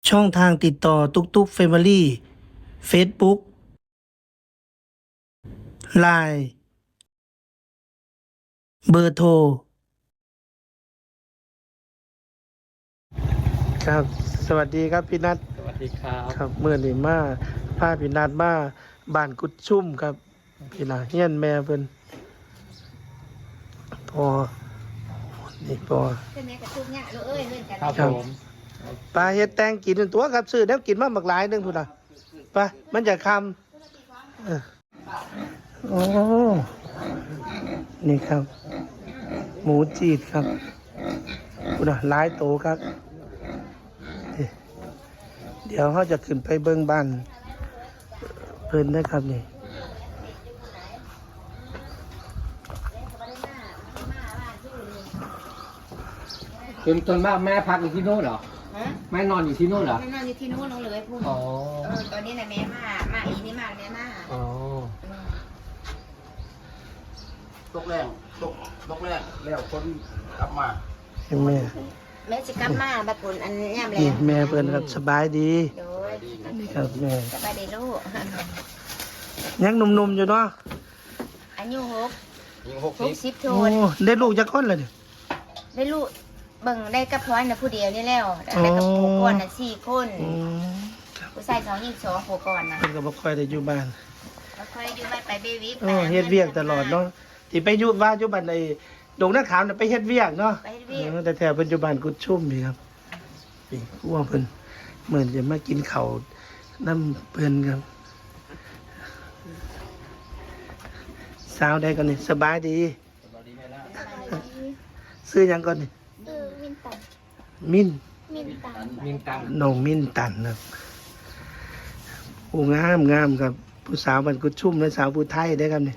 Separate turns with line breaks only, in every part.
ช่องทางติดต่อตุกตุกเฟมิลี่เฟซบุ๊กไลน์เบอร์โทรครับสวัสดีครับพี่นัท
สวัสดีครับ
ครับเมื่อนี้มาพาพี่นัทมาบ้านกุดชุ่มครับพี่นาเฮียนแม่เพิ่นพอนี่พอ
ใช่ไหมกระทุกเนี่ยเอ้ยเล่นกัน
ครับ
ครับ
ผม
ปลาเฮ็ดแตงกินเป็นตัวครับซื้อแล้วกินมาหมักหลายหนึงพุ่นน่ะไปมันจะคำโอ้นี่ครับ หมูจีดครับพุ่นน่ะหลายโตครับนี่เดี๋ยวเขาจะขึ้นไปเบิ่งบ้านเพิ่นนะครับนี่
จนมากแม่พักอยู่ที่โน่นเหรอ
ฮะ
แม่นอนอยู่ที่โน่นเหรอ
แม่นอนอยู่ที่นู้นน้องเลยพูด
อ๋อ
ตอนนี้น่ะแม่มาอีนี่มาแม่มา
อ๋อ
ตกแรงตกแรงแล้วคนกลับมา
ให้แม่
แม่จะกลับมาบัดผลอันนี้ย่ำแล้
นี่
ว
แม่เพิ่นครับสบายดี
โดย
นี่ครับแม่
สบายดีลูก
ยังหนุ่มๆอยู่เนาะ
อายุ
ยิง
60 โท
โอ้
น
ได้ลูกจักคนแล้วนี่
ได้ลูกเบิ่งได้กับพร้อยน่ะผู้เดียวนี่แล้วได้กับผู้ก่อนน่ะ4 คน
อืมครับ
ผู้ชาย2หญิง2ผู้ก่อนน่ะ
เพิ่นก็บ่ค่อยได้อยู่บ้าน
แล้วค่อยอยู่บ้านไปเบบี
โอ้เฮ็ดเวียกตลอดเนาะที่ไปอยู่บ้านอยู่บ้านไอ้ดงนาขามน่ะไปเฮ็ดเวียกเนาะ
ไปเฮ็ดเวียก
แต่แท้เพิ่นอยู่บ้านกุดชุ่มนี่ครับนี่ครัวเพิ่นเหมือนจะมากินข้าวน้ำเพิ่นครับสาวใดก่อนนี่สบายดี ซื้อหยังก่อนนี่
มินตัน
มิ้น
มินตัน
มินตัง
น้องมิ้นตันครับผู้งามงามครับ ผู้สาวบ้านกุดชุ่มและสาวผู้ไทยได้อครับนี่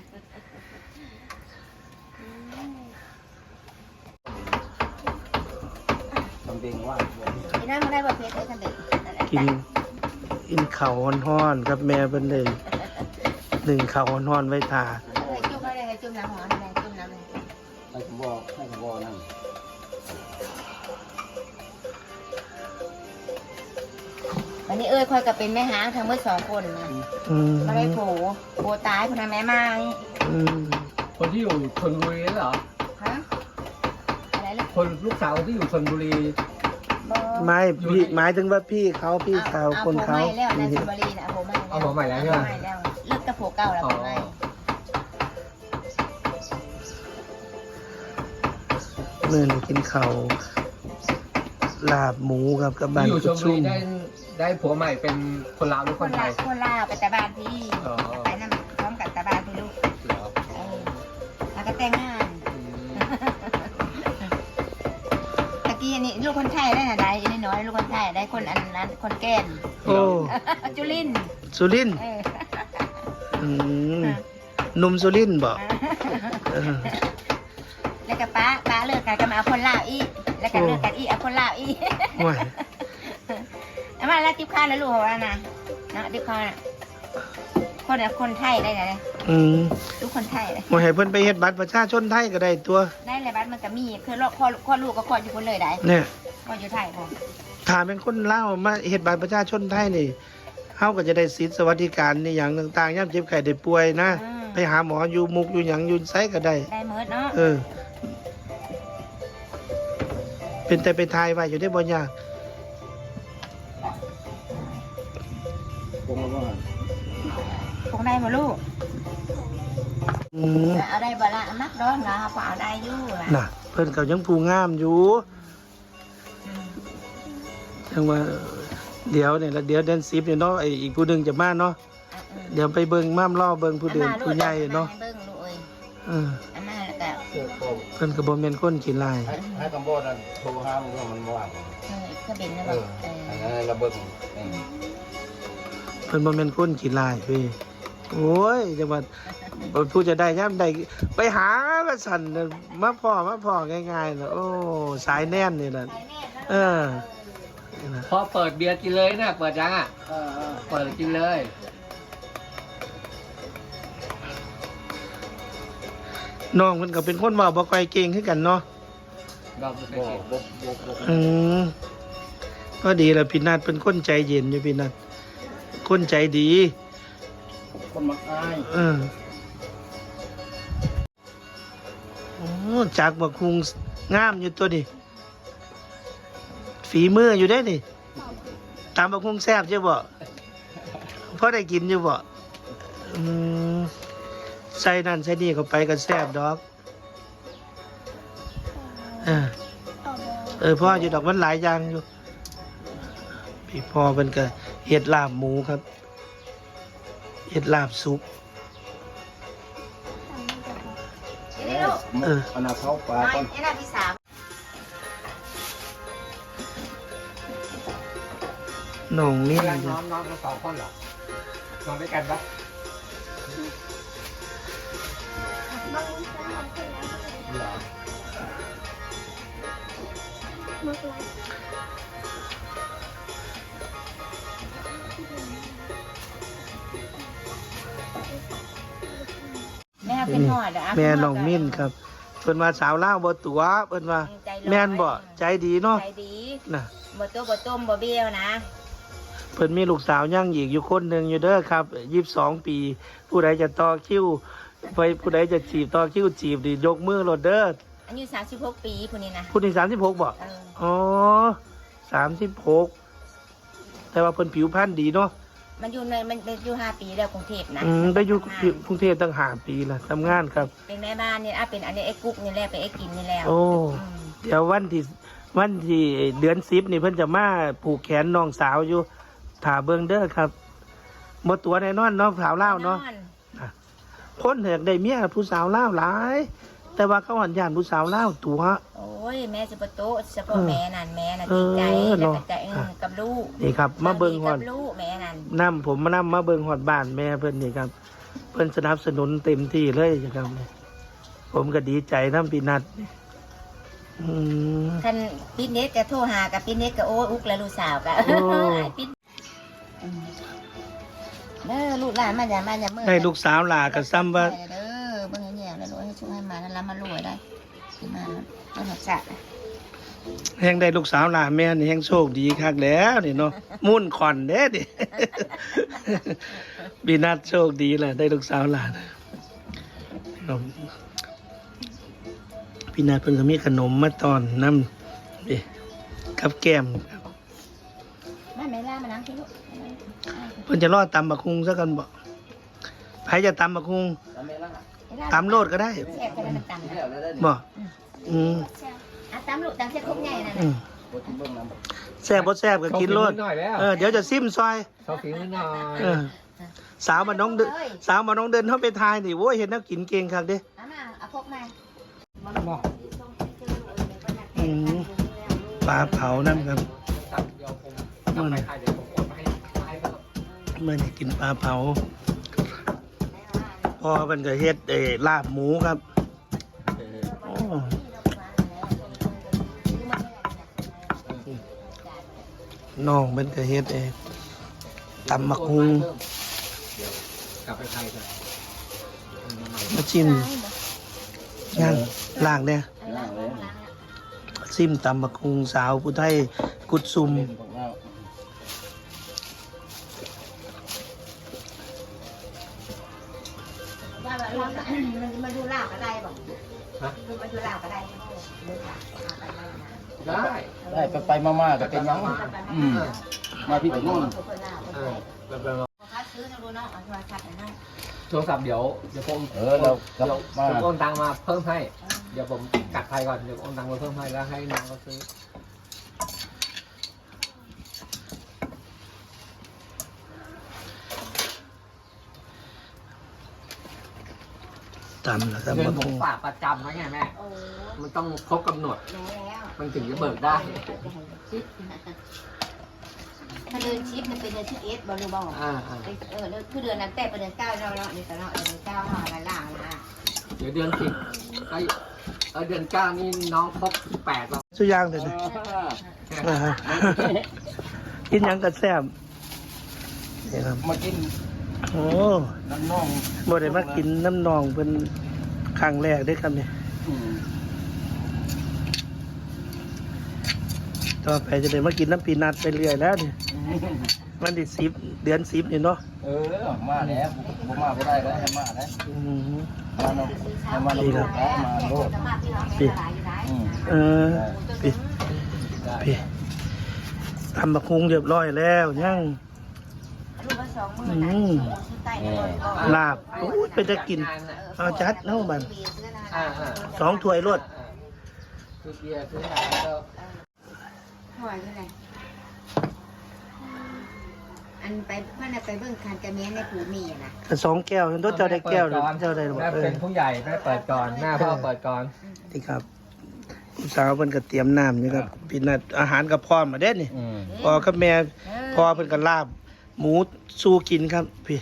ทำเพลงว่า
ไอ้นั่นมันได้บ่เพชรไอ้คันเด็ก
กินข้าวฮ้อนๆครับแม่เพิ่นเลยหนึ่งข้าวฮ้อนๆไว้ทา
จุ่มอะไรจุ่มน้ำหอมอะไรจุ่มน้ำอะไร
ให้ผมบอกนั่น
วันนี้คอยกับเป็นแม่หางทั้งเมื่อ2 คนนะ
อืม
มาได้โผตายคนนั้นแม่มานี่
อืม
คนที่อยู่ชลบุรีเหรอ
ฮะอะไรลูก
คนลูกสาวที่อยู่ชลบุรี
บ่
ไม่พี่หมายถึงว่าพี่เขาพี่สาวคนเขา
ไม่แล้วนะสุบรีนะผมไม่แล้ว
เอาผมใหม่แล้วใช่ไหม
ไม่แล้วเลิกกับโผเก่าแล้วผมไม่
เมื่อนี้กินข้าวลาบหมูครับกับบ้าน
ที่อยู่ช
กุ
ล
ด
บุ
ชุ่
รี
ม
ได้ผัวใหม่เป็นคนลาวหรือ
ค
คน นไท
ลาย คนลาไปแต่บ้านพี่
อ๋อ
ไปนั่นพร้อมกับแต่บ้านพี่ลูก
เหรอ
แล้วก็แต่งงาน
อืม
ตะกี้อันนี้ลูกคนไทยได้นะได้อันนี้น้อยลูกคนไทยได้คนอันนั้นคนแก่น
โอ้
จุลิน
สุรินทร์
เออ
อืมหนุ่มสุรินทร์บอกเออ
แล้วก็ป้าเลิกกันก็มาเอาคนลาวอีกแล้วก็เลิกกันอีกเอาคนลาวอีก
ห่วย
เอามาแล้วทิพย์ข้าวแล้วลูกของเรานะเนาะทิพย์ข้าวน่ะคนไทยได้ไง
อืม
ลูกคนไทยเลย
บ่ให้เพิ่นไปเฮ็ดบัตรประชาชนไทยก็ได้ตัว
ได้เลยบ้านมันก็มีคือข้อลูกก็ข้ออยู่คนเลยได้
เนี่ย
ข้ออยู่ไทยพอ
ถ้าเป็นคนลาวมาเฮ็ดบัตรประชาชนไทยนี่เฮาก็จะได้สิทธิสวัสดิการในอย่างต่างๆยามเจ็บไข้ได้ป่วยนะ ไปหาหมออยู่มุกอยู่หยังอยู่ไสก็ได้
ได้เมิดเนาะ
เออ เป็นแต่ไปทายไว้อยู่ได้บ่ยาก
ผมก็ว่า
คงได้มาลูก
อืม
เอาได้บ่ละนักร้อนนะพอเอาได้อยู่ล่ะ
น่ะ เพิ่นก็ยังผู้งามอยู่จังว่าเดี๋ยวเนี่ยละเดี๋ยวเดือน10เนี่ยเนาะไอ้อีกผู้หนึงจะมาเนาะเดี๋ยวไปเบิ่งม่ามล่อเบิ่งผู้เดินผู้ใหญ่เนาะ
เบิ่งลูกเอ้ย
เออ
อันนั้นแล้วก็
เสื้อโคม
เพิ่นก็บ่แม่นคนขี้ลาย
ให้คำบอกนั่นโทรหามึงว่ามันว่าง
ก็เป็นนะ
เอ
บอก
ออันนั้นระเบิด
เพิ่นบ่แม่นคนขี้ลายเว้ยโอ้ยจังว่าผู้จะได้ยามใดไปหาว่าสั่นน่ะมาพ่อง่ายๆน่ะโอ้สายแน่นนี่น่ะเออนี่นะ
พอเปิดเบียร์กินเลยนะเปิดยังอ่ะเปิดกินเลย
น้องเพิ่นก็เป็นคนเว้าบ่ค่อยเก่งคือกันเนาะ
เราไม่เคย
บอก
กิน
บอก
อืมก็ดีแล้วพี่นัทเป็นคนใจเย็นอยู่พี่นัทคนใจดี
คนมักอาย
โอ้จากบักคุงงามอยู่ตัวนี้ฝีมืออยู่ได้นี่ตามบักคุงแซ่บใช่บ่พอได้กินอยู่บ่ใส่นั่นใส่นี่เข้าไปก็แซ่บดอกพ่ออยู่ดอกมันหลายอย่างอยู่พี่พ่อเป็นก็เห็ดลาบหมูครับเห็ดลาบซุป
อันนั้นเขาปลาก่อน
นี่น่ะพี่สาว
น้องนี่
น้องทั้งสองคนเหรอ นอนด้วยกันปะเหรอ
แม่เป็นหอดเหรอ
แม่น้องมิ้นครับเพิ่นว่าสาวลาวบ่ตัวเพิ่นว่าแม่นบ่ใจดีเนาะ
ใจดี
น่ะ
บ่ตัวบ่ต้มบ่เบี้ยวนะ
เพิ่นมีลูกสาวย่างอีกอยู่คนหนึงอยู่เด้อครับ22 ปี ผู้ใดจะต่อคิวไปผู้ใดจะจีบต่อคิวจีบดิยกมือโลดเด้อ
อายุ36 ปีผู้นี้นะ
ผู้นี้36บ่ อ๋อ36แต่ว่าเพิ่นผิวพรรณดีเนาะ
มันอยู่5 ปีแล้วกรุงเทพนะ
ได้อยู่กรุงเทพตั้ง5 ปีแล้วทำงานครับ
เป็นแม่บ้านนี่เป็นอันนี้ไอ้กุ๊กนี่แหละเป็นไอ้กินนี่แล้ว
โอ้ เดี๋ยววันที่เดือน10นี่เพิ่นจะมาผูกแขนน้องสาวอยู่ถาเบิ่งเด้อครับบ่ตัวแน่นอนเนาะสาวลาวเนาะคนอยากได้เมียผู้สาวลาวหลาย แต่ว่าเขาหันย่านผู้สาวลาวตัว
โอ้ยแม่จะประตูเฉพาะแม่นั่นแม่น่ะดีใจแล้วก็ใจกับลูก
นี่ครับ มาเบิ่งฮอด
กับลูกแม่นั่น
ผมมาเบิ่งฮอดบ้านแม่เพิ่นนี่ครับ เพิ่นสนับสนุนเต็มที่เลยครับผมก็ดีใจนำพี่นัทนี่
คันปิดเน็ตก็โทรหากับปิดเน็ตก็โอ้อุกแล้วลูกสาวก็ปิดลูกหลานมาอย่ามือ
ได้ลูกสาวหลาก็ซ้ำว่า
เด้อเบิ่งแย่ๆแล้วให้ช่วยให้มาแล้วรับมารวยได้สิมาแล้วหักษะ
แฮงได้ลูกสาวหลาแม่นี่แฮงโชคดีคักแล้วนี่เนาะมุ่นขอนเด้ดิ พี่นัทโชคดีแหละได้ลูกสาวหลานพี่นัทเพิ่นก็มีขนมมาตอนน้ำนี่กับแก้มครับ
แม่ล่ามานั่งที่ลูก
เพิ่นจะรอดตำบักคุงซะกันบ่ใครจะตำบักคุงตำโลดก็ได้
แซ่บก็ได้มันตำนะ
บ่
ตำลูกตำเส้นคุกใหญ่นั่น
แซ่บบ่แซ่บก็กินโลด
หน่อยแล้ว
เดี๋ยวจะซิมซอย
เขาฝีมือหน่อย
สาวมาน้องเดินเข้าไปทายนี่โว้ยเห็นแล้วกินเก่งคักเด้
เอาพกมา
ปลาเผานั่นครับ
เดี๋ยวผมกลับไปไทยเดี๋ยวผมโอนมาให้ก็
เมื่อนี่กินปลาเผาพ่อเป็นก็เฮ็ดลาบหมูครับโอ้น้องเป็นก็เฮ็ดตำมักฮุง
เดี๋ยวกลับไปไทยก่อน
มาชิมย่างล่างเนี่ยซิมตำมักฮุงสาวผู้ไทยกุดซุม
มาดูลาบก็ได้บอกมาดูลาบก็ได้
ได้
ไปมาก็เป็นยังมาพี่กับนู่น
พัดซื้อนะดูเนาะมาพัดนะ
โทรศัพท์เดี๋ยวผม
เรามา
ผมโอนตังมาเพิ่มให้ เดี๋ยวผมกัดไทยก่อน เดี๋ยวโอนตังมาเพิ่มให้แล้วให้น้องเขาซื้อ
ตำแล้วครับ
เงิน
มัก
ผ
ฮุ
ม
ง
ฝากประจำไว้ไงแม่ มันต้องครบกำหนด มันถึงจะเบิกได้
ถ้าเดือนชิปมันเป็นเดือนที่11บริบาลคือเดือนนั้นแต่เป็นเดือน9เราเนาะนี่ตลอดเดือน9ห่อละล่างนะ
เดี๋ยวเดือน10ก็เดือน9นี่น้องครบ8แล้ว
สุดย่างเลยนะกินหยังกัแซ่บนี่ครับ
มากิน
โอ้
น้ำน่อง
บ่ได้มากินน้ำนองเป็นครั้งแรกได้อครับเนี่ยตต่อไปจะได้มากินน้ำปีนัดไปเรื่อยแล้วนี่วันที่10 เดือน 10นี่เนาะ
มาแล้วผมมาไม่ได้แล้วให้มาแล้ว
อืม
มาเนาะให้มาโลดแล้วมาโลด
เออพี่ทำบักฮุงเรียบร้อยแล้วยังลาบโอ้ยไปจะกินเอาจัดเนาะบัน2 ถ้วยรวด
คือเบียร์คืออะไรก็
ถอยไปไหนอันไปเพื่อนไปเบิ่งคันกระเมียนในผูมีอะนะ
2 แก้วฉันต้องเจ้าได้แก้วหรือเจ้าได้หรือ
แม่เป็นผู้ใหญ่แม่เปิดก่อนแม่พ่อเปิดก่อน
นี่ครับลูกสาวเพิ่นก็เตรียมน้ำนี่ครับพี่นัดอาหารกับพร้อมมาเด้นี่พ่อกับแม่พ่อเพิ่นก็ลาบหมูสู้กินครับพี่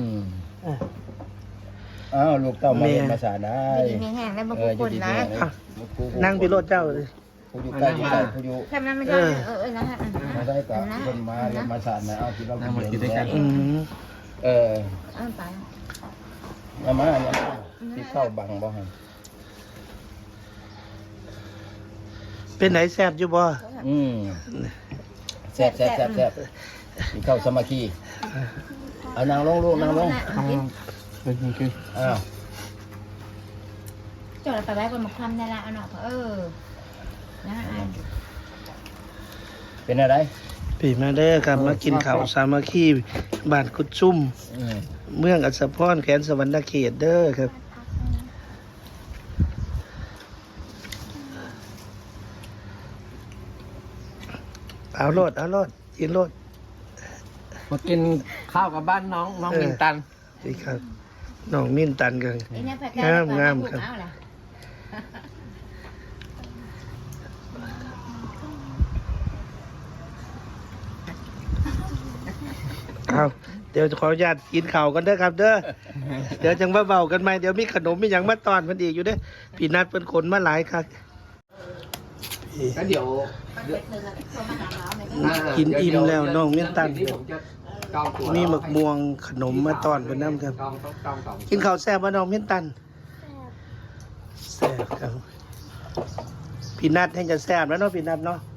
อ้าวลูกเต้ามาเรียนภาษาได้
มีแห้งแล้วบางคนนะ
นั่งพี่รถเจ้าเลย
ผู้อยู่ใกล้อยู่ใกล้ผู้อยู่
แค่นั้นไม่ได้นะฮะ
มาได้กับคนมาเรียนภาษาไหนเอาที่เรากินด้วยกัน
อืม
ไป
มาที่เข้าบังบ่ฮะ
เป็นไหนแซ่บอยู่บ่
แซ่บที่เข้าสมาคีเอานางลงลูกนางลงอ้าว
จอดไปไว้บนหมกคำได้ละเอาหน่อยนะ
เป็นอะไร
พี่มาเด้อครับมากินข้าวสามัคคีบ้านกุดซุ่มเมืองอัศพรแขวนสวรรณเขตเด้อครับเอาโลดกินโลด
มากินข้าวกับบ้านน้องมินตัน
นี่ครับน้องมิ้นตันกันงามครับเอาเดี๋ยวขออนุญาตกินข้าวกันเด้อครับเด้อเดี๋ยวจังว่าเบากันไหมเดี๋ยวมีขนมมีหยังมาตอนเพิ่นอีกอยู่เด้อพี่นัดเพิ่นขนมาหลายครับ
แล้วเดี๋ยว
กินอิ่มแล้วน้องมิ้นตัน
ที่ผมจะจองตั๋ว
มีหมึกม่วงขนมมาตอนเพิ่นนำครับ
จอง
กินข้าวแซ่บบ่น้องมิ้นตันแซ่บครับพี่นัดให้จะแซ่บแล้วเนาะพี่นัดเนาะ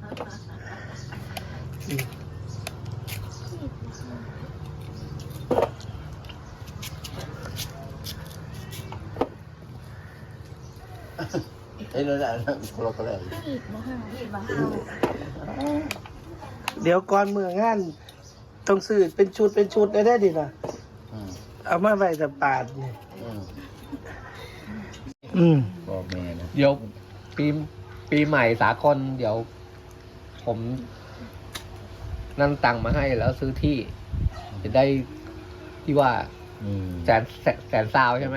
เอ้ยนั่นแหละคนละคนเลย
เดี๋ยวก่อนเมื่องานต้องซื้อเป็นชุดได้ดิล่ะเอามาไว้แต่ปาดนี่
บอกแม่นะ
เดี๋ยวปีใหม่สากลเดี๋ยว ผมนั่นตังค์มาให้แล้วซื้อที่ จะได้ที่ว่าแสนซาวใช่ไหม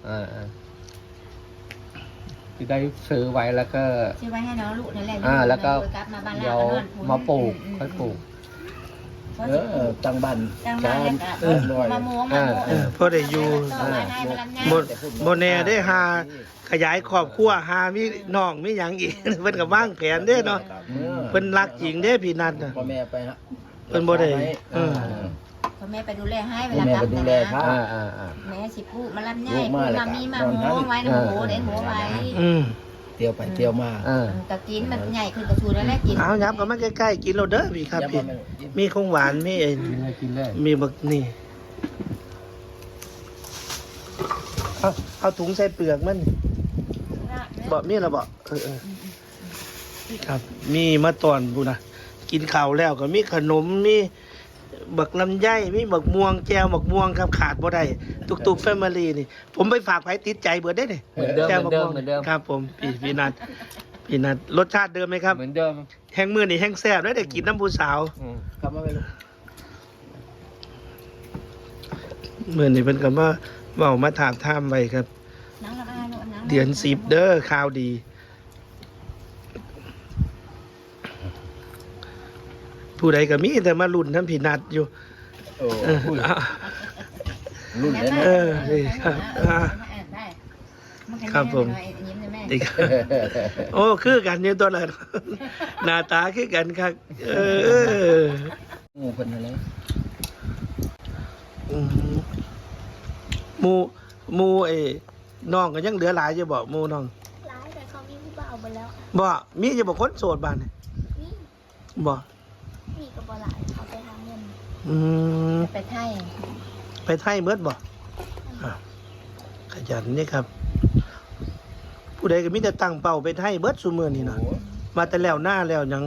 จะได้ซื้อไว้แล้วก็
ซื้อไว้ให้น้องลูกนั่นแหละ
แล้วก็เดี๋ยวมาปลูกค่อยปลูก
ตั้งบ้าน
มาโม้ง
พอได้อยู่บ่แน่ได้หาขยายครอบครัวหามีน้องมีหยังอีก เพิ่นก็วางแผนเด้เนาะเพิ่นรักจริงเด้พี่นัทน่ะ
พ่อแม่ไปฮะ
เพิ่นบ่ได้
พ่อแม่ไปดูแลให้เวลากลับนะแม่สิพูดมาลำไยพูดมามีมาโม้ไว้นะโม้เด็ดโม้ไว้
เที่ยวไปเที่ยวมา
ตะกินมันใหญ่ขึ้นกระชูแล้วแหละกิน
เอายับก็มาใกล้ๆกินเราเด้อพี่ครับพี่มีของหวานมี
กินเลย
มีบักนี่เอาถุงใส่เปลือกมันบ่มีละบ่ครับมีมาตอนพูนะกินข้าวแล้วก็มีขนมมีบักลำไยมีบักม่วงแจวบักม่วงครับขาดบ่ได้ตุกๆแฟมิลี่นี่ผมไปฝากไว้ติดใจเบิดได้นี่แจวบักม่วงครับผมพี่นัทรสชาติเดิมไหมครับ
เหมือนเดิม
แห้งมือนี่แห้งแซ่บแล้วได้กินน้ำผู้สาว
ครับมาไปลูก
มือนี่เพิ่นก็มาเว้ามาถามถามไว้ครับ เดือน10เด้อข่าวดีผู้ใดก็มีแต่มาลุ้นทั้งพี่นัดอยู่
รุ่นเลยนะ
นี่ครับผมดีครับโอ้คือกันอยู่ตัวละหน้าตาคือกันครับ
งูเป็นอะไร
หมูไอ้น้องก็ยังเหลือหลายอยู่บ่หมูน้อง
หลายแต่เขามีผู้บ่าวหมดแล้ว
บ่มีจะบอกคนโสดบ้านนี่บ่
มีกับบหลายเขาไปหาเงิน
อืม
ไปไทย
ไปไทยเบิดบ่อ่ะขยันนี่ครับ ผู้ใดก็มีแต่ตั้งเป้าไปไทยเบิดซุมื้อนี่นะมาแต่แล้วหน้าแล้วหยัง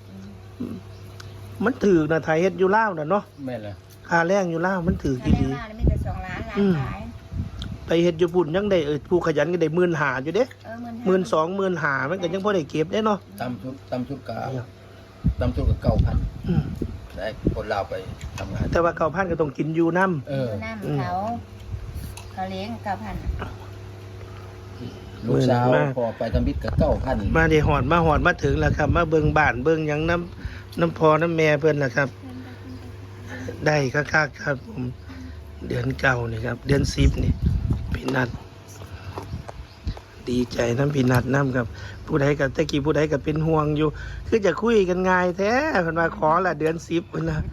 มันถือกนะไทยเฮ็ดอยู่ลาวน่ะเนาะ
แม่นเลย
ค่าแรงอยู่ลาวมันถือก
ถ้า
อีห
แร
ลี
กมาไม่แต่2 ล้านขาย
ไปเฮ็ดอยู่พุ่นยังได้ผู้ขยันก็ได้15,000อยู่เด้ 12,000 15,000มันก็ยังพอได้เก็บได้เนาะ
ตำชุดกะตำชุดกับ9,000
อืม
ได้คนลาวไปทำงาน
แต่ว่า9,000ก็ต้องกินอยู่นำ
เออ
น้ำเขาเลี้ยง9,000
ลูกสาวพอไปทำบิดกับ9,000
มาได้หอดมาถึงแล้วครับ มาเบิ่งบ้านเบิ่งหยังน้ำพอน้ำแม่เพิ่นล่ะครับ ได้คักๆครับผมเดือนเก่านี่ครับ เดือน10นี่พี่นัด ดีใจน้ำพี่นัดน้ำครับ ผู้ใดกับตะกี้ผู้ใดกับเป็นห่วงอยู่ คือจะคุยกันง่ายแท้เพิ่นว่าขอละเดือน10พุ่นนะ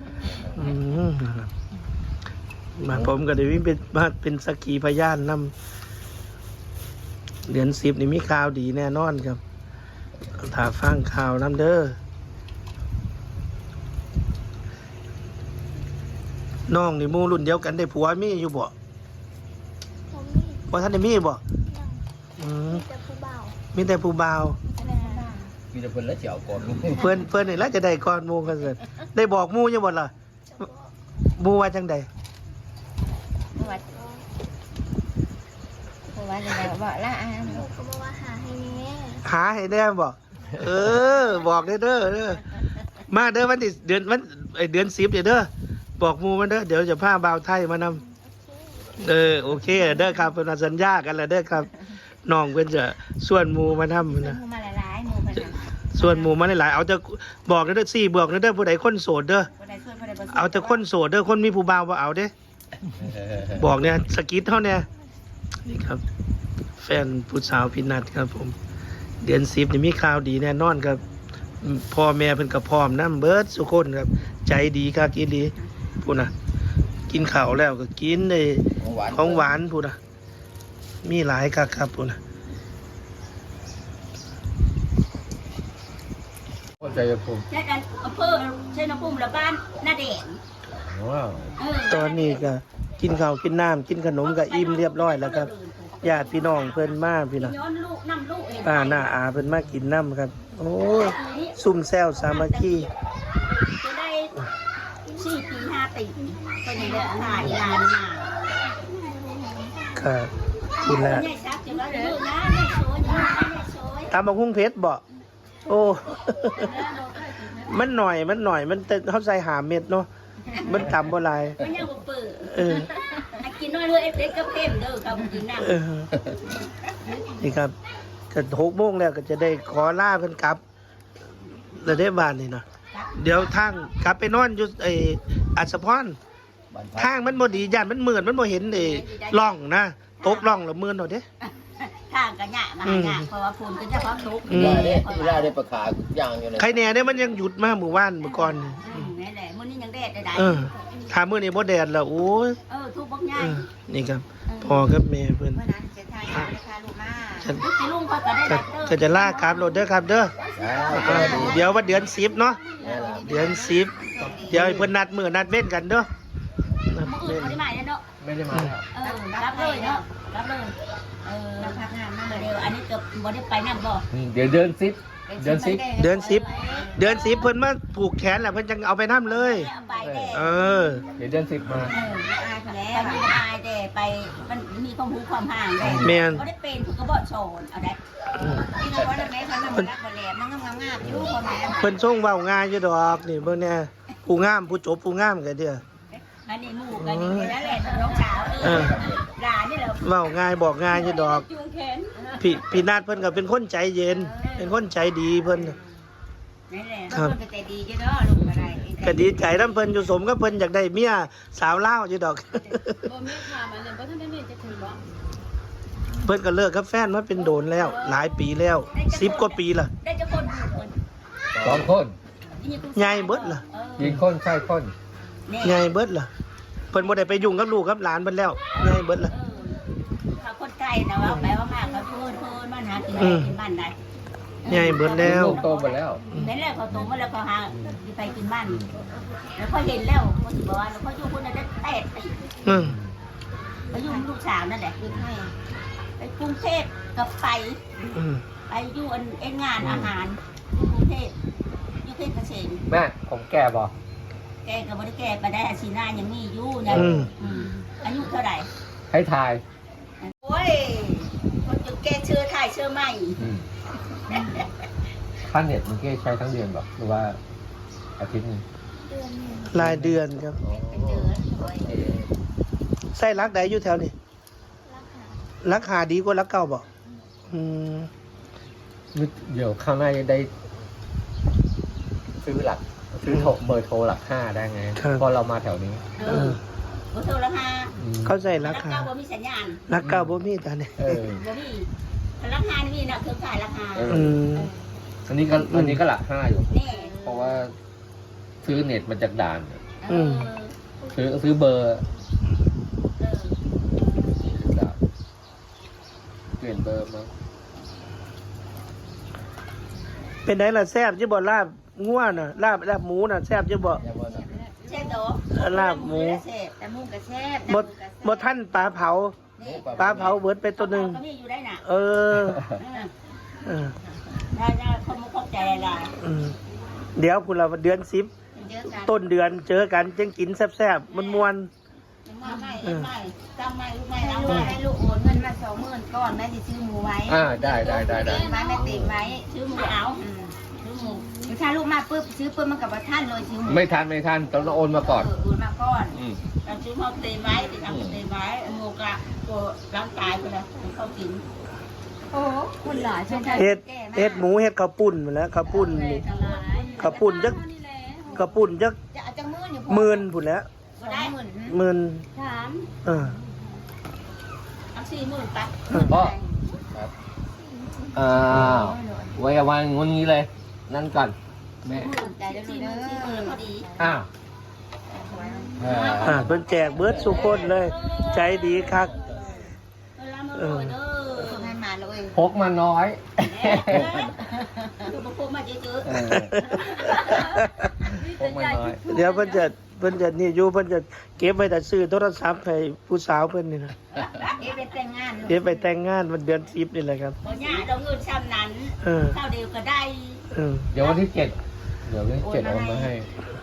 มาผมก็ได้วิ่งเป็นสักขีพยานนำเดือน10นี่มีข่าวดีแน่นอนครับถ้าฟังข่าวน้ำเด้อน้องนี่หมู่รุ่นเดียวกันได้ผัวมีอยู่บ่
ผมมี
บ่ทันได้มีบ่
ยัง
อืม
มีแต่ผู้บ่าว
มีแต่ผู้บ่าว
มีแต่เพิ่นแล้วเจียวก่อน
เพิ่นนี่แหละจะได้ก่อนหมู่กันเสร็จได้บอกหมู่ยังบ่ล่ะ
จะบอก
หมู่ว่าจังใด
วัดวัดอะไรบอกละ
ลูกเขาบอกว่าหาให้แน่
หาให้แน่บ่บอกเด้อมาเด้อวันที่เดือน10เด้อบอกหมู่มันเด้อเดี๋ยวจะพาบ่าวไทยมานำโอเคเด้อครับเพิ่นว่าสัญญากันแล้วเด้อครับน้องเพิ่นจะส่วนหมู่มานำนะ
มูมาหลายๆมูพันธุ์
ส่วนหมู่มาหลายๆเอาแต่บอกเด้อ4บอกเด้อผู้ใดคนโสดเด้อ
คนใดส่วนคนใดบ่ส่วน
เอาแต่คนโสดเด้อคนมีผู้บ่าวบ่เอาเด้ บอกเนี่ยสกิทเท่าเนี่ยนี่ครับ แฟนผู้สาวพี่นัดครับ ผม เดือน10นี่มีข่าวดีแน่นอนครับพ่อแม่เพิ่นก็พร้อมนำเบิดสุคนครับ ใจดีคักอีหลีพูดนะกินข้าวแล้วก็กินได้
ของหวาน
ของหวานพูดนะมีหลายคักครับพูดนะ
ใจจะภูมิ
ใช่กันอำเภอเช่นภูมิละบ้านหน้าแดง
ว้าว
ตอนนี้ก็กินข้าวกินน้ำกินขนมก็อิ่มเรียบร้อยแล้วครับญาติพี่น้องเพิ่นมาพี่นะ
ย้อนลูกนำลูกเอง
ป้าหน้าอาเพิ่นมากินน้ำครับ โอ้ยซุ่มแซวสามัคคี
จะได้4 ปี 5 ปีเป็นอย่างเงี้ยหลายล้านมา
ครับคุณแล้ว
ใหญ่ซักจังว่าลูกนะใหญ่สวยใหญ่สวย
ตามบักหุ่งเพชรบ่โอ้ มันหน่อยมันแต่เขาใส่หาเม็ดเนาะมันต่ำบ่หลาย
มันยังบ่เปิด
เออ
ให้กินน้อยเลยเอฟก็เพิ่มเด้อครับกินน้ำ
เออนี่ครับก็6 โมงแล้วก็จะได้ขอลาเพิ่นกลับแล้วได้บ้านนี่นะเดี๋ยวทางกลับไปนอนอยู่อัศพร
บ้านพัก
ทางมันบ่ดีย่านมันมืดมันบ่เห็นร่องนะตกร่องแล้วมืดเอาเด้
ทางกันหยะมาหยะเพราะว่าฝุ่นก็จะพร้อมทุก
ได้ได้ประกาศอย่างอยู่เลย
ใครแน่เนี่ยมันยังหยุดมาเมื่อวานเมื่อก่อนนี่
นี่แหละมื้อนี้ยังแดดได้
ถ้ามื้อนี้บ่แดดแล้วโอ้ย
ทุกบักง่า
เอย อนี่ครับพ่อกับแม่เพิ่น
เมื่อนั้นจะทายเอาเลยค่ะลูกมาลูกสิลุงเขาก็ได้
ก็
รับเด้อ
ก็จะลากครับรถเด้อครับเด้อเดี๋ยวว่าเดือน10เนาะเดือน10เดี๋ยวให้เพิ่นนัดมื้อนัดเว้นกันเด้อนัด
มื้อ
เว้
อื่
น
นบ่ได้มาเนาะ
ไม่ได้มาแล้ว
รับเลยเนาะรับเลยรับพักงานมาเดี๋ยวอันนี้จะบ่ได้ไปนำบ่
เดี๋ยวเดือน10
เดือน10เดือน10เพิ่นมาผูกแขนแล้วเพิ่นจังเอาไปนํเลย
ไปแด้
เออ
เดี๋ยวเดือน10มา
อายไปแล้วมีอายแด้ไปมันมีความรู้ความห่างแด้
แม่น
บ่ได้เป็นคือก็บ่โสดเอาได้ที่เราว่าแม่เขานำรักบ่แหลมมันงามๆอยู่พ่อแม่
เพิ่นส่งเว้าง่ายอยู่ดอกนี่เบิ่งแน่ผู้งามผู้จบผู้งามก็เด้อ
อันนี้หมู่กันนี่นั่นแหละน้องสาวหลานนี่แหละ
เว้าง่ายบอกง่ายอยู่ดอก
จูงแขน
พี่นาดเพิ่นก็เป็นคนใจเย็น เป็นคนใจดีเพิ่น
นั่นแหละคนก็ใจดีจ้ะเนาะลูกก็ได้
ก็ดีใจนำเพิ่นอยู่สมกับเพิ่นอยากได้เมียสาวลาวอยู่ดอก
บ่มีถามอันนั้นบ่ทันได้จะถึงบ่
เพิ่นก็เลิกกับแฟนมาเป็นโดนแล้ว หลายปีแล้ว10 กว่าปีละ
ได้จะคนคน
2 คน
ใหญ่เบิดล่ะ
ยิงคนใช่คน
ใหญ่เบิดล่ะเพิ่นบ่ได้ไปยุ่งกับลูกกับหลานเพิ่นแล้วใหญ่เบิดล่ะ
เขาคนไกลนะว่าไปว่ามากเขาพูดมันหากินได้กินบ้านได้
ใหญ่เบิดแล้ว
ลูกโตหมดแล้ว
เห็นแล้วเขาโตมาแล้วเขาหาไปกินบ้านแล้วเขาเห็นแล้วเขาสิบอกว่าแล้วเขาอยู่คนนั้นได้แตกไป
อืม
ไปอยู่ลูกสาวนั่นแหละไปกรุงเทพกับไป
อืม
ไปอยู่เอ็นงานอาหารอยู่กรุงเทพอยู่เพชรเกษม
แม่ผมแก่บ่
แกกับบริแกไปได้อาชีพหน้ายังมีอยู่นะอายุเท่าไหร่
ให้ทาย
โอ้ยคนจุดแกเชื่อไทยเชื่อไม่
ค่าเน็ตมันแค่ใช้ทั้งเดือนแบบหรือว่าอาทิตย์นึง
เดือนหนึ่ง
รายเดือนครับ
ไปเจอโอ้ย
ไส้รักใดอยู่แถวนี้
ราคา
รักหาดีกว่ารักเก่าบ่อืม
เดี๋ยวข้างหน้าจะได้ ซื้อเบอร์โทรหลัก 5ได้ไงเพราะเรามาแถวนี้
เออโอ้โทรราคา
เข้าใจ
รา
รา
คา
คา
บ่มีสัญญาณ
รักเก่าบ่มีตาเนี่ย
เออ
บ่มีราคานี่มีนะเครือข่ายราคา
อืม
อันนี้ก็หลัก 5อยู่
นี่
เพราะว่าซื้อเน็ตมาจากด่าน ซื้อเบอร์ด่านเปลี่ยนเบอร์มา
เป็นไงล่ะแซ่บจะบ่ลาบงัวน่ะลาบหมูน่ะแซ่บจะบ่
แซ่บโต
ลาบหมู
แซ่บแต่หมูก็แซ่บ
บ่ท่านปลาเผาปลาเผาเบิดไปตัวหนึง
ก็มีอยู่ได้น่ะ
เออเออ
ได้เขาไม่เข้าใจอะไร
อืมเดี๋ยวพุ่นละเดือน10
เยอะกัน
ต้นเดือนเจอกันจังกินแซ่บๆม่วน
ไม่จำไม่ลูกไม่แล้วให้ลูกโอนเงินมา20,000ก่อนแม่จะซื้อหมูไว้
ได้
ไว้แม่ติดไว้ซื้อหมูเอาซื้อหมูถ้าลูกมาปุ๊บซื้อปุ๊บมันกับว่าท่านเลยซื้อหมู
ไม่ทันต้องโอนมาก่อน
โอนมาก่อน
อืม
เราซื้อมาเตยไว้ติดเอาเตยไว้หมูกะตัวร่างกายไปแล้วเขากินโอ้คนหลายใช่ไหม
ๆเฮ็ดหมูเฮ็ดข้าวปุ้นมาแล้วข้าวปุ้นนี่ข้าวปุ้นจักข้าวปุ้นจัก
จะเอาจังมืออยู่
หมื่นพุ่นแหล้ว
ก็ได้หมื่น
หมื่น
ถาม
เออ
เอา40,000ไป
พ่อไว้วางงนงี้เลย นั่นก่อนแม่
ใจแล้วดีเนอะพอดี
อ้าว
เพิ่นแจกเบิดสุคนเลย ใจดีคัก
งานมาเลย
พกมาน้อย
ดูมาพูดมาเยอะ
พกมาน้อย
เดี๋ยวเพิ่นจะนี่อยู่เพิ่นจะเก็บไว้แต่ซื้อโทรศัพท์ให้ผู้สาวเพิ่นนี่นะ
เอ๊ะไปแต่งงาน
เก็บไปแต่งงานวันเดือน10นี่แหละครับ
บ่ยากเราเงินซ้ำนั้น
เออ
เท่าเดียวก็ได้
เออ
เดี๋ยววันที่ 7 เดี๋ยววันที่ 7โอนมาให้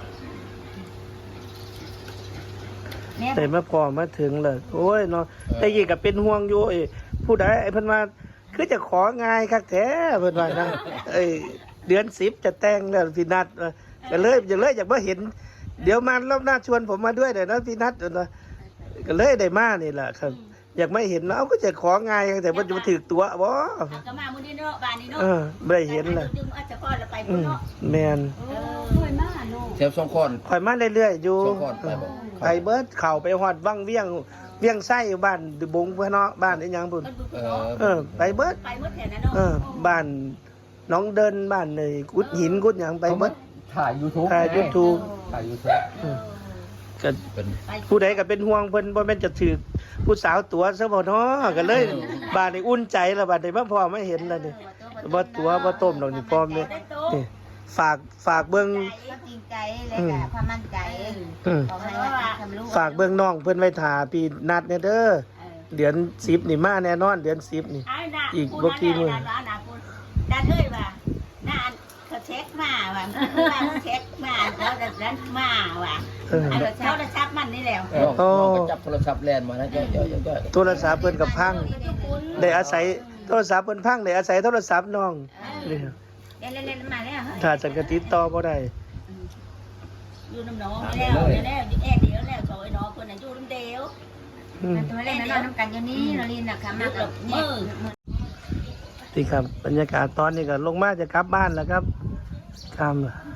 แต่มาพอมาถึงเลยโอ้ยเนาะแต่ยี่ก็เป็นห่วงอยู่ไอ้ผู้ใดไอ้เพิ่นว่าคือจะของายคักแท้เพิ่นว่านะเดือน10จะแต่งแล้วพี่นัดก็เลยอยากมาเห็น เดี๋ยวมารอบหน้าชวนผมมาด้วยเดี๋ยวนะพี่นัดก็เลยได้มานี่แหละครับ อยากไม่เห็นแล้วก็จะของายแต่ว่าจะมาถือตัวบ่
ก็มามื้อนี้เนาะบ้านนี้เนาะ
ไม่ได้เห็นเลย
ดึงอาจจะพอเราไปพุ่นเนาะ
แมน
เคยมาเนาะ
เทปสองคน
คอยมาเรื่อยๆอยู่
สองคนไปบ่
ไปเบิดเข่าไปหอดวังเวียงไส้บ้านบงเพื่อนเนาะบ้านไอ้หยังพุ่น ไปเบิด
ไปเมื่อแถวนั้นเนาะ
บ้านน้องเดินบ้านเลยกุดหินกุดหยังไปเบิด
ถ่าย YouTube
ถ่าย YouTube
ถ่าย YouTube
ก็
เป็น
ผู้ใดก็เป็นห่วงเพิ่นบ่แม่นจะถือผู้สาวตัวซะบ่เนาะก็เลยบ้านนี้อุ่นใจแล้วบ้านนี้มาพอไม่เห็นแล้วนี่บ่ตัวบ่ต้มดอกนี่พร้อมนี่นี่ฝากเบิ่ง
จริงใจเลยค่ะความมั่นใจ ขอให้ทำลูก
ฝากเบิ่งน้องเพิ่นไว้ท่าพี่นัดเนี่ยเด้อเดือน10นี่มาแน่นอนเดือน10นี่ อีกบ่กี่มื้อ
ดันเอ้ยว่าน่าเขาเช็คมาว่าเช็คมาแล้วดันนั้นมาว่าเขาจะชักมันนี่แล้ว
น้องก็จับโทรศัพท์แลนมานะย่อย
โทรศัพท์เพิ่นก็พังได้อาศัยโทรศัพท์เพิ่นพังได้อาศัยโทรศัพท์น้องนี่
เล่นมาแล้ว
ถ้าจังก็ติดต่อบ่ได้
อยู่น้ำน้องแล้วแอดเดียวแล้วโอยน้องคนนั้นอยู่น้ำเดียว มันตัวเล่นนอนน้ำกันอยู่นี่นอรินนะคะมากับมือ
นี่ครับบรรยากาศตอนนี้ก็ลงมาจะกลับบ้านแล้วครับครับ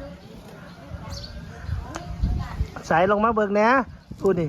สายลงมาเบิกแหน่พูดนี่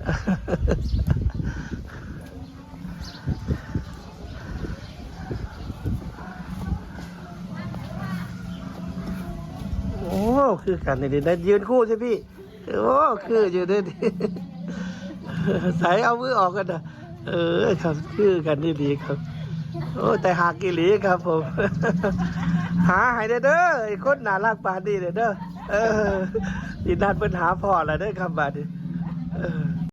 โอ้คือกันนี่ได้ยืนคู่ใช่พี่โอ้คืออยู่ด้วยดิ สายเอามือออกกันนะครับคือกันนี่ดีครับโอ้แต่หากิลีครับผม หาให้เด้อไอ้คนน่ารักปานนี้เด้ออีนัดเพิ่นหาพ่อแล้วเด้อครับบาดนี้